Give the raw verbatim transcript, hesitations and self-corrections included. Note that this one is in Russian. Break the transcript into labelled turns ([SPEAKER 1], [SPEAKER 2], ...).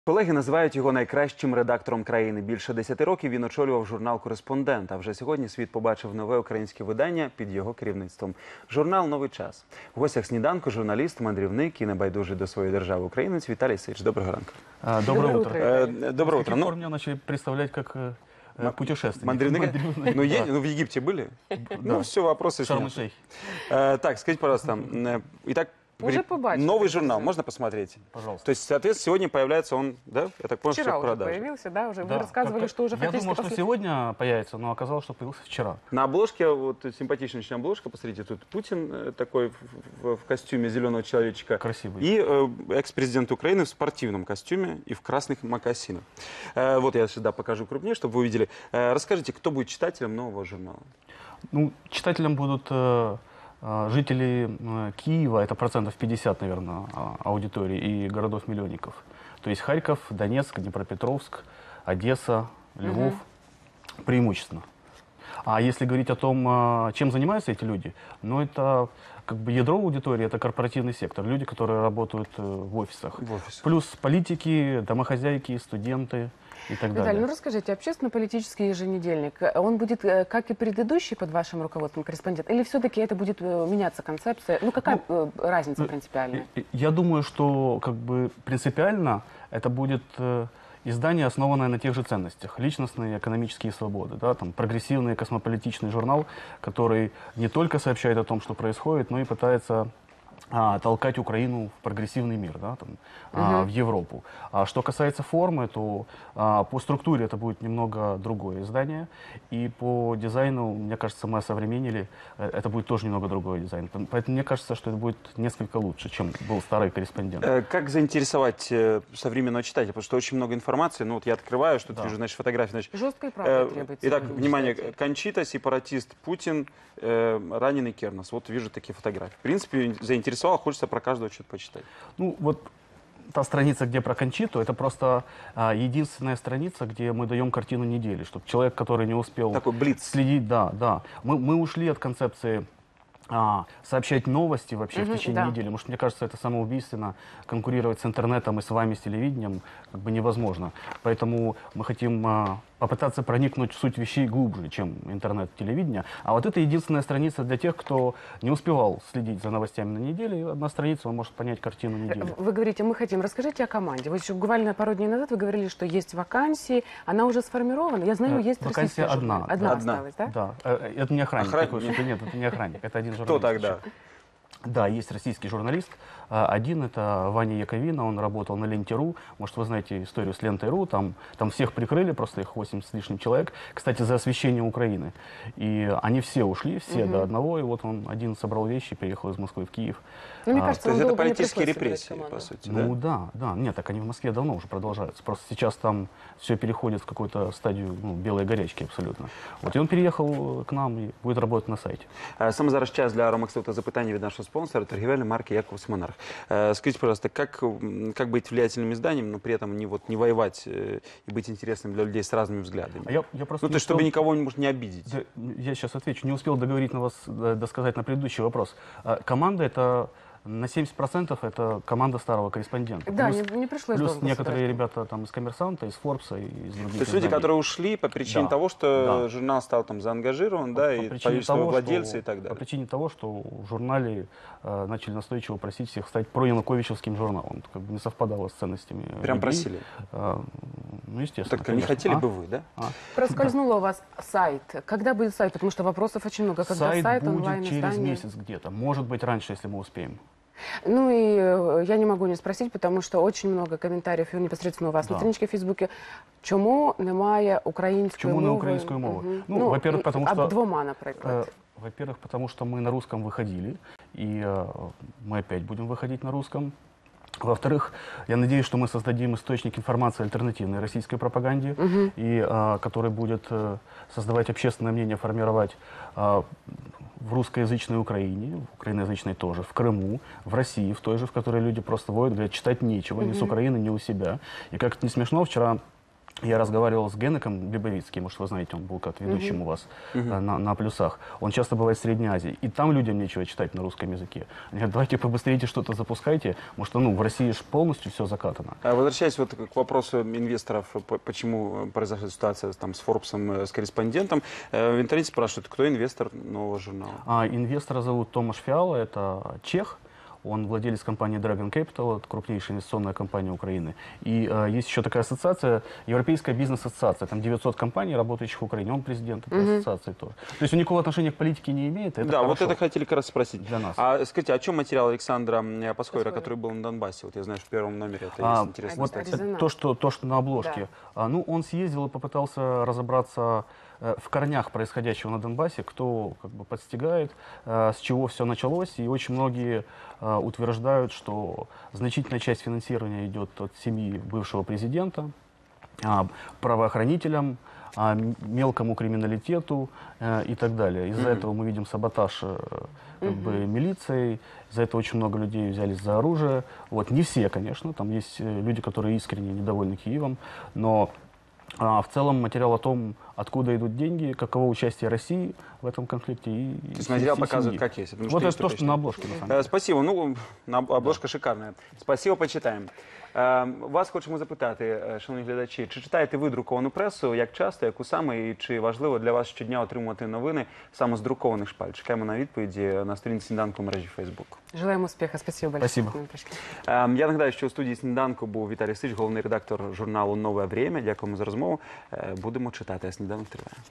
[SPEAKER 1] Колеги називають його найкращим редактором країни. Більше десяти років він очолював журнал «Кореспондент», а вже сьогодні світ побачив нове українське видання під його керівництвом. Журнал «Новий час». В гостях сніданку журналіст, мандрівник і небайдужий до своєї держави українець Віталій Сич. Доброго ранку.
[SPEAKER 2] А, доброе утро.
[SPEAKER 1] Э, доброе утро.
[SPEAKER 2] Ну, меня начали представлять как э, путешественник.
[SPEAKER 1] Мандрівник? Ну, е, ну, в Египте были? Ну, все, вопросы
[SPEAKER 2] Шарм-эль-Шейх.
[SPEAKER 1] э, Так, скажите, пожалуйста, э, итак,
[SPEAKER 3] Уже побачили.
[SPEAKER 1] новый журнал, можно посмотреть?
[SPEAKER 2] Пожалуйста.
[SPEAKER 1] То есть, соответственно, сегодня появляется он, да? Я так понял, что
[SPEAKER 3] Вчера
[SPEAKER 1] в
[SPEAKER 3] уже
[SPEAKER 1] продаже.
[SPEAKER 3] появился, да, уже.
[SPEAKER 2] Да.
[SPEAKER 3] Вы рассказывали,
[SPEAKER 2] Как-то-
[SPEAKER 3] что уже
[SPEAKER 2] Я
[SPEAKER 3] фактически
[SPEAKER 2] думал, что
[SPEAKER 3] после...
[SPEAKER 2] сегодня появится, но оказалось, что появился вчера.
[SPEAKER 1] На обложке, вот симпатичная обложка, посмотрите, тут Путин э, такой в, в- в костюме зеленого человечка.
[SPEAKER 2] Красивый.
[SPEAKER 1] И э, экс-президент Украины в спортивном костюме и в красных мокасинах. Э, вот я сюда покажу крупнее, чтобы вы увидели. Э, расскажите, кто будет читателем нового журнала?
[SPEAKER 2] Ну, читателям будут э, э, жители э, Киева, это процентов пятьдесят, наверное, а- аудитории, и городов-миллионников. То есть Харьков, Донецк, Днепропетровск, Одесса, Львов, преимущественно. А если говорить о том, э, чем занимаются эти люди, ну, это как бы ядро аудитории, это корпоративный сектор, люди, которые работают э, в офисах.
[SPEAKER 1] В офисе.
[SPEAKER 2] Плюс политики, домохозяйки, студенты и так
[SPEAKER 3] Виталий,
[SPEAKER 2] далее.
[SPEAKER 3] ну расскажите, общественно-политический еженедельник, э, он будет, э, как и предыдущий под вашим руководством, корреспондент, или все-таки это будет э, меняться концепция? Ну, какая э, разница
[SPEAKER 2] ну,
[SPEAKER 3] принципиальная?
[SPEAKER 2] И- и- Я думаю, что как бы принципиально это будет э, издание, основанное на тех же ценностях. Личностные, экономические свободы. Да, там, прогрессивный, космополитичный журнал, который не только сообщает о том, что происходит, но и пытается а, толкать Украину в прогрессивный мир, да, там, а, в Европу. А что касается формы, то а, по структуре это будет немного другое издание. И по дизайну, мне кажется, мы осовременили, э, это будет тоже немного другой дизайн. Поэтому мне кажется, что это будет несколько лучше, чем был старый корреспондент.
[SPEAKER 1] Э, Как заинтересовать э, современного читателя? Потому что очень много информации. Ну вот я открываю, что-то
[SPEAKER 2] Да.
[SPEAKER 1] вижу, значит, фотографии. Значит,
[SPEAKER 3] Жестко и
[SPEAKER 1] э,
[SPEAKER 3] правда требуется.
[SPEAKER 1] итак,
[SPEAKER 3] от
[SPEAKER 1] внимание,
[SPEAKER 3] читателя.
[SPEAKER 1] Кончита, сепаратист, Путин, э, раненый Кернес. Вот вижу такие фотографии. В принципе, заинтересовал, хочется про каждого что-то почитать.
[SPEAKER 2] Ну, вот та страница, где про Кончиту, это просто а, единственная страница, где мы даем картину недели, чтобы человек, который не успел
[SPEAKER 1] Такой блиц.
[SPEAKER 2] следить, да, да. Мы, мы ушли от концепции а, сообщать новости вообще
[SPEAKER 3] Мгм,
[SPEAKER 2] в течение
[SPEAKER 3] да.
[SPEAKER 2] недели, потому что, мне кажется, это самоубийственно. Конкурировать с интернетом и с вами, с телевидением, как бы невозможно. Поэтому мы хотим а, попытаться проникнуть в суть вещей глубже, чем интернет-телевидение. А вот это единственная страница для тех, кто не успевал следить за новостями на неделе. И одна страница, он может понять картину недели.
[SPEAKER 3] Вы говорите, мы хотим. Расскажите о команде. Вот еще буквально пару дней назад вы говорили, что есть вакансии. Она уже сформирована. Я знаю,
[SPEAKER 2] Э,
[SPEAKER 3] есть
[SPEAKER 2] вакансия
[SPEAKER 3] российская
[SPEAKER 2] одна,
[SPEAKER 3] журналистка. Одна
[SPEAKER 2] да.
[SPEAKER 1] Одна.
[SPEAKER 3] осталась, да?
[SPEAKER 2] Да, э, это не охранник.
[SPEAKER 1] Охран-
[SPEAKER 2] такой, что-то нет, это не охранник, это один журналист.
[SPEAKER 1] Кто тогда?
[SPEAKER 2] еще. Да, есть российский журналист. А, Один это Ваня Яковина, он работал на Ленте.ру. Может, вы знаете историю с Лентой.ру, там, там всех прикрыли, просто их восемьдесят с лишним человек. Кстати, за освещение Украины. И они все ушли, все до одного, и вот он один собрал вещи, переехал из Москвы в Киев.
[SPEAKER 3] Ну, мне
[SPEAKER 2] А,
[SPEAKER 3] кажется,
[SPEAKER 1] То есть
[SPEAKER 3] вам
[SPEAKER 1] это
[SPEAKER 3] долго не
[SPEAKER 1] политические
[SPEAKER 3] пришлось собирать
[SPEAKER 1] репрессии,
[SPEAKER 3] команду.
[SPEAKER 1] по сути,
[SPEAKER 2] Ну
[SPEAKER 1] да?
[SPEAKER 2] да, да, нет, так они в Москве давно уже продолжаются. Просто сейчас там все переходит в какую-то стадию ну, белой горячки абсолютно. Вот и он переехал к нам и будет работать на сайте.
[SPEAKER 1] Е, Саме зараз час для ромаксового та запитання від нашого спонсора, торгівельної марки «Яковс Монарх». Е, Скажите, пожалуйста, как, м, как быть влиятельным изданием, но при этом не, вот, не воевать э, и быть интересным для людей с разными взглядами?
[SPEAKER 2] А я, я просто
[SPEAKER 1] Ну, то
[SPEAKER 2] не
[SPEAKER 1] есть, чтобы
[SPEAKER 2] успел-
[SPEAKER 1] никого, может, не обидеть.
[SPEAKER 2] Да, я сейчас отвечу. Не успел договорить на вас, э, досказать на предыдущий вопрос. А, Команда это на семьдесят процентов это команда старого корреспондента.
[SPEAKER 3] Да,
[SPEAKER 2] Плюс,
[SPEAKER 3] не, не пришлось
[SPEAKER 2] плюс
[SPEAKER 3] долго
[SPEAKER 2] некоторые
[SPEAKER 3] собирать.
[SPEAKER 2] ребята там из Коммерсанта, из Форбса, и из других
[SPEAKER 1] То есть люди,
[SPEAKER 2] изданий.
[SPEAKER 1] которые ушли по причине
[SPEAKER 2] Да.
[SPEAKER 1] того, что
[SPEAKER 2] Да.
[SPEAKER 1] журнал стал там заангажирован, да,
[SPEAKER 2] по
[SPEAKER 1] и
[SPEAKER 2] причине
[SPEAKER 1] количество
[SPEAKER 2] того,
[SPEAKER 1] владельцев
[SPEAKER 2] что-
[SPEAKER 1] и так
[SPEAKER 2] По
[SPEAKER 1] далее.
[SPEAKER 2] причине того, что в журнале э, начали настойчиво просить всех стать проянуковичевским журналом. Это как бы не совпадало с ценностями.
[SPEAKER 1] Прям
[SPEAKER 2] людей.
[SPEAKER 1] просили.
[SPEAKER 2] Э, ну, естественно.
[SPEAKER 1] Так не
[SPEAKER 2] конечно.
[SPEAKER 1] хотели
[SPEAKER 2] А?
[SPEAKER 1] бы вы, да?
[SPEAKER 2] А?
[SPEAKER 3] Проскользнуло у вас сайт. Когда будет сайт? Потому что вопросов очень много. Когда
[SPEAKER 2] Сайт,
[SPEAKER 3] сайт,
[SPEAKER 2] будет
[SPEAKER 3] онлайн,
[SPEAKER 2] через
[SPEAKER 3] издание?
[SPEAKER 2] месяц где-то. Может быть, раньше, если мы успеем.
[SPEAKER 3] Ну и э, я не могу не спросить, потому что очень много комментариев і непосредственно у вас
[SPEAKER 2] Да.
[SPEAKER 3] на страничке в Фейсбуке. Чому немає української
[SPEAKER 2] Чому не
[SPEAKER 3] мови?
[SPEAKER 2] української мови?
[SPEAKER 3] Мгм.
[SPEAKER 2] Ну, во-первых,
[SPEAKER 3] і-
[SPEAKER 2] потому
[SPEAKER 3] а
[SPEAKER 2] что-
[SPEAKER 3] двома, наприклад.
[SPEAKER 2] Э, Во-первых, потому что мы на русском выходили, и э, мы опять будем выходить на русском. Во-вторых, я надеюсь, что мы создадим источник информации альтернативной российской пропаганде, и э, который будет э, создавать общественное мнение, формировать э, в русскоязычной Украине, в украиноязычной тоже, в Крыму, в России, в той же, в которой люди просто воют, говорят, читать нечего, ни с Украины, ни у себя. И как это не смешно, вчера Я разговаривал с Генеком Лебовицким, может, вы знаете, он был как ведущим у вас э, на, на «Плюсах». Он часто бывает в Средней Азии. И там людям нечего читать на русском языке. Они говорят, давайте побыстрее что-то запускайте. Может, ну, в России же полностью все закатано.
[SPEAKER 1] А Возвращаясь вот к вопросу инвесторов, по- почему произошла ситуация там, с Форбсом, э, с корреспондентом, э, в интернете спрашивают, кто инвестор нового журнала?
[SPEAKER 2] А инвестора зовут Томаш Фиала, это чех. Он владелец компании Dragon Capital, это крупнейшая инвестиционная компания Украины. И э, есть еще такая ассоциация, Европейская бизнес-ассоциация. Там девятьсот компаний, работающих в Украине. Он президент этой ассоциации тоже. То есть он никакого отношения к политике не имеет. Это
[SPEAKER 1] да, вот
[SPEAKER 2] хорошо
[SPEAKER 1] это хотели как раз спросить.
[SPEAKER 2] для нас.
[SPEAKER 1] А скажите, о чем материал Александра м, Паскойра,
[SPEAKER 3] Паскойра.
[SPEAKER 1] который был на Донбассе? Вот я знаю, что в первом номере это
[SPEAKER 2] А,
[SPEAKER 1] есть интересная
[SPEAKER 2] вот
[SPEAKER 1] статья.
[SPEAKER 3] Резонанс.
[SPEAKER 2] то что, то, что на обложке.
[SPEAKER 3] Да.
[SPEAKER 2] А, ну, он съездил и попытался разобраться э, в корнях происходящего на Донбассе, кто как бы подстигает, э, с чего все началось. И очень многие э, утверждают, что значительная часть финансирования идет от семьи бывшего президента, а, правоохранителям, а, м- мелкому криминалитету э, и так далее. Из-за
[SPEAKER 1] Мгм.
[SPEAKER 2] этого мы видим саботаж э, как бы, милицией, из-за этого очень много людей взялись за оружие. Вот, не все, конечно, там есть э, люди, которые искренне недовольны Киевом, но а, в целом материал о том, откуда идут деньги, каково участие России в этом конфликте. И,
[SPEAKER 1] То есть материал показывает, как есть. потому
[SPEAKER 2] Вот
[SPEAKER 1] что есть
[SPEAKER 2] это то,
[SPEAKER 1] такое
[SPEAKER 2] что на обложке, на самом
[SPEAKER 1] Е,
[SPEAKER 2] деле.
[SPEAKER 1] Спасибо. Ну, на- обложка шикарна. Спасибо, почитаємо. Е, Вас хочемо запитати, е, шановні глядачі, чи читаєте ви друковану пресу, як часто, яку саме, і чи важливо для вас щодня отримувати новини саме з друкованих шпаль? Чекаємо на відповіді на сторінці «Сніданку» в мережі Фейсбук.
[SPEAKER 3] Желаем успеха. Спасибо большое.
[SPEAKER 2] Спасибо.
[SPEAKER 3] что к нам пришли.
[SPEAKER 1] Е, Я нагадаю, що у студії «Сніданку» був Віталій Сич, головний редактор журналу «Нове время». Дякуємо за розмову. Е, Будемо читати, а сніданок триває.